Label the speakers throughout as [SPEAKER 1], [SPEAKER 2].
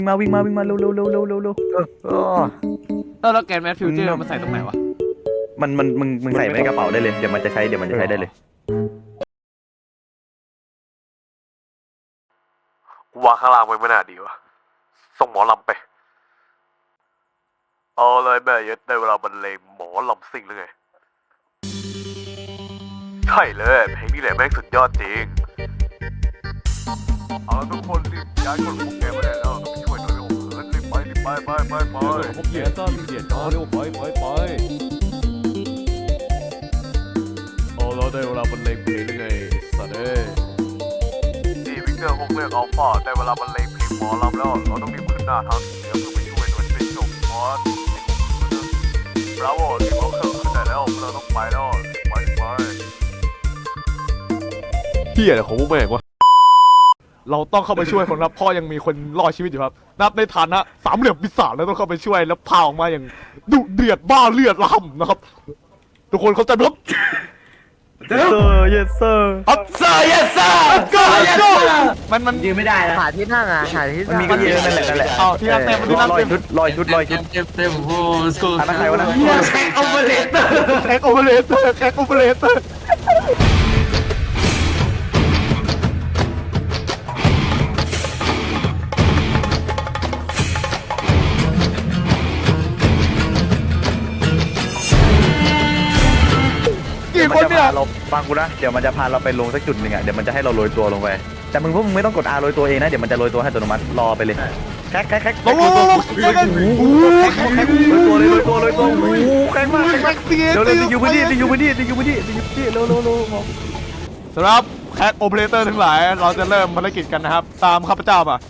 [SPEAKER 1] วิ่งมาเร็ว
[SPEAKER 2] แล้วแกนแมทฟิวเจอร์มันใส่ตรงไหนวะ
[SPEAKER 1] มึงใส่ไว้ในกระเป๋าได้เลยเดี๋ยวมันจะใช้ได้เลย
[SPEAKER 3] วางข้างล่างไว้ไม่น่าดีวะส่งหมอลำไปเอาเลยแม่ยัดได้เวลาบรรเลงหมอลำซิ่งหรือไงใช่เลยเพลงนี้แหละแม่งสุดยอดจริงเอาทุกคนรีบย้ายคนพวกแกมาได้แล้วต้องช่วยหน่อยโอ้โหรีบไป
[SPEAKER 2] พวกเกียร์ต้นเกียร์จอเร็วไปเอาแล้วได้เวลาบรรเลงเพลงหรือไงสัตว์เอ้ย
[SPEAKER 3] นี่วิกเตอร์ฮกเลือกอัลฟาได้เวลาบรรเลงเพลงหมอลำแล้วเราต้องรีบขึ้นหน้าทางเหนือเพื่อไปช่วยมันเป็นจบมอสบราโวรีบเอาเครื่องขึ้นได้แล้วเราต้องไปแล้วไป
[SPEAKER 2] เฮียอะไรของพวกแม่งวะเราต้องเข้าไปช่วยคนครับพ่อยังมีคนรอดชีวิตอยู่ครับนับในฐานะสามเหลี่ยมปีศาจแล้วต้องเข้าไปช่วยแล้วพาออกมาอย่างดุเดือดบ้าเลือดล่ำนะครับทุกคนเข้าใจไหมครับ
[SPEAKER 1] yes sir
[SPEAKER 2] มัน
[SPEAKER 4] ยืนไม่ได้นะ
[SPEAKER 5] หาที่นั่งอ่ะหาที่
[SPEAKER 1] มัน
[SPEAKER 5] นั่ง
[SPEAKER 1] มีกันเยอะนั่นแหละ
[SPEAKER 2] เอาที่นั่งเต็มที่นั่ง
[SPEAKER 1] ลอย
[SPEAKER 2] เต็ม
[SPEAKER 1] ชุด
[SPEAKER 4] เต็มโอ้โห
[SPEAKER 1] อันนั้นใครวะนะ
[SPEAKER 4] แท็กโอเวอร์เลเตอร์
[SPEAKER 2] แท็กโอเปอเรเตอร์กี่คนเนี่ย
[SPEAKER 1] เราฟังกูนะเดี๋ยวมันจะพาเราไปลงสักจุดหนึ่งอ่ะเดี๋ยวมันจะให้เราโรยตัวลงไปแต่พวกมึงไม่ต้องกด R โรยตัวเองนะเดี๋ยวมันจะโรยตัวให้อัตโนมัติรอไปเลยแคก
[SPEAKER 2] ลงโรย
[SPEAKER 1] ตัวแคกมากเร็วๆอยู่พื้นที่เร็ว
[SPEAKER 2] สำหรับแคทโอเปอเรเตอร์ทั้งหลายเราจะเริ่มภารกิจกันนะครับตามข้าพเจ้ามา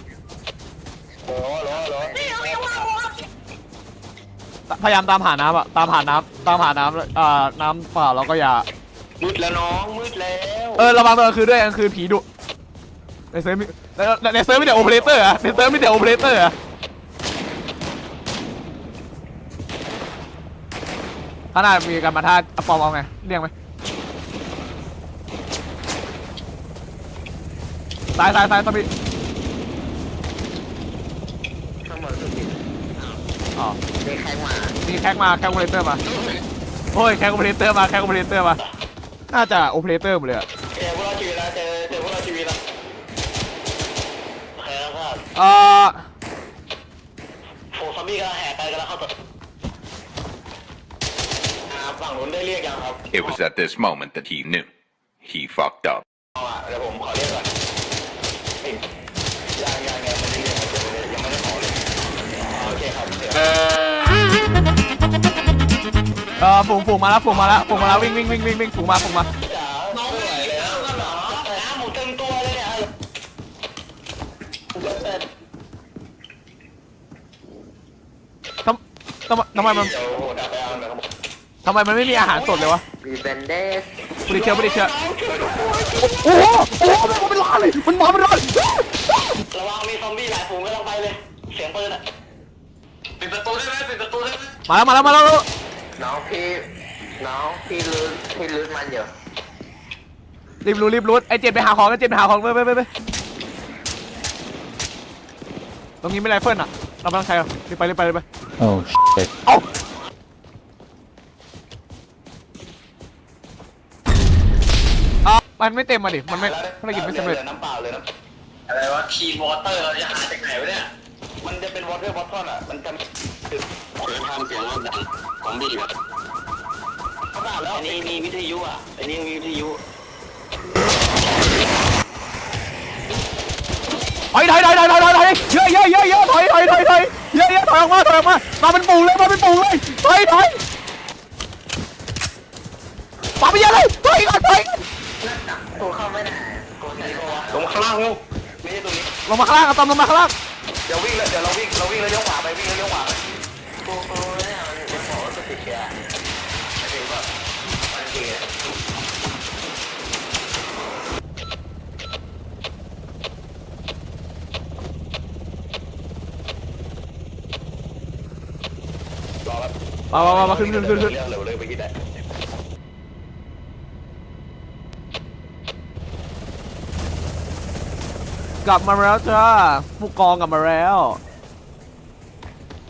[SPEAKER 2] พยายามตามหาน้ำอะตามหาน้ำน้ำเปล่าเราก็อย่า
[SPEAKER 4] มืดแล้วน้องมืดแล้ว
[SPEAKER 2] ระวังตอนกลางคืนด้วยกลางคืนผีดุในเซิร์ฟไม่แต่โอเปอเรเตอร์อะในเซิร์ฟไม่แต่โอเปอเรเตอร์อะข้างหน้ามีการมาท่าปอมเอาไงเรียกไหมซ้ายซอมบี้
[SPEAKER 5] ทั้งหมดสุดที่
[SPEAKER 2] อ๋อ
[SPEAKER 5] เด็กแข่งมา
[SPEAKER 2] มีแคกโอเปอเรเตอร์มาโอ้ยแคกโอเปอเรเตอร์มาน่าจะโอเปอเรเตอร์หมดเลยอะ
[SPEAKER 4] เจอพวกเราชีวิตแล้วเจอพวกเราชีวิตแล้วแพ้แล้วครับโอ้ซอมบี้กำลังแห่ไปกำลังเข้าตัวฝั่งนู้นได้เรียกยังครับ
[SPEAKER 6] It was at this moment that he knew. He fucked up.
[SPEAKER 4] เดี๋ยวผมขอเรียกก่อนยังไม่ได้เรียกยังไม่ได้ขอเลยโอเคครับ
[SPEAKER 2] ฝูงมาแล้ววิ่งฝูงมา
[SPEAKER 4] น้องไม่ไหวแล้วน้ำหมูเต็มตัวเลยเนี่ย
[SPEAKER 2] ทำไมมันไม่มีอาหารสดเลยวะ
[SPEAKER 5] มีเบนเดส
[SPEAKER 2] ไม่ได้เชื่อโอ้โหมันเป็นล้านเลยมันมาเป็นล้าน
[SPEAKER 4] ระวังมีซอมบี้หลายฝูงก็ต้องไปเลยเสียงปืนอ่ะปิดประตูได้ไหม
[SPEAKER 2] มาแล้ว
[SPEAKER 5] น้องพี่ลื้อมันอยู่
[SPEAKER 2] รีบรู้ไอ้เจ็ดไปหาของไปตรงนี้ไม่ไรเฟิลอ่ะเราไม่ต้องใช้หรอกรีบไป
[SPEAKER 1] โอ้
[SPEAKER 2] เอามันไม่เต็มมาดิมันไม่ภารกิจไม่สำเร็จ
[SPEAKER 4] น้ำเปล่าเลยนะอะไรวะคีนวอเตอร์เราจะหาจากไหนวะเนี่ยมันจะเป็นวอเตอร์บอททอนอ่ะมันจะทำเสียงดังของบีบอันนี้มีวิทยุอ่ะอันนี้มีวิทยุ
[SPEAKER 2] ถอยเยอะถอยออกมามาเป็นปูเลยถอยปาไปเยอะเลยถอยก่อน
[SPEAKER 5] ตัวเข้าไม่ได้
[SPEAKER 4] ลงข้างล่างลูกไม่ใช่ตรงนี้
[SPEAKER 2] ลงมาข้างล่างตอมลงมาข้างล่าง
[SPEAKER 4] เดี๋ยวเราวิ่งแล้วเลี้ยวขวาไป
[SPEAKER 5] ตัวเนี่ยมันบอกว่าติดเชื้อ
[SPEAKER 4] ถึงแบบมันดีรอแล้ว
[SPEAKER 2] มาขึ้น
[SPEAKER 4] เร็วเลยไปกินได้
[SPEAKER 2] กลับมาแล้วจ้าผู้กองกลับมาแล้ว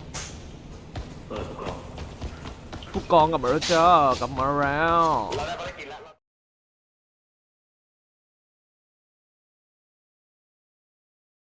[SPEAKER 2] ผู้กองกลับมาแล้วจ้ากลับมาแล้ว
[SPEAKER 4] เราได้ภารกิจ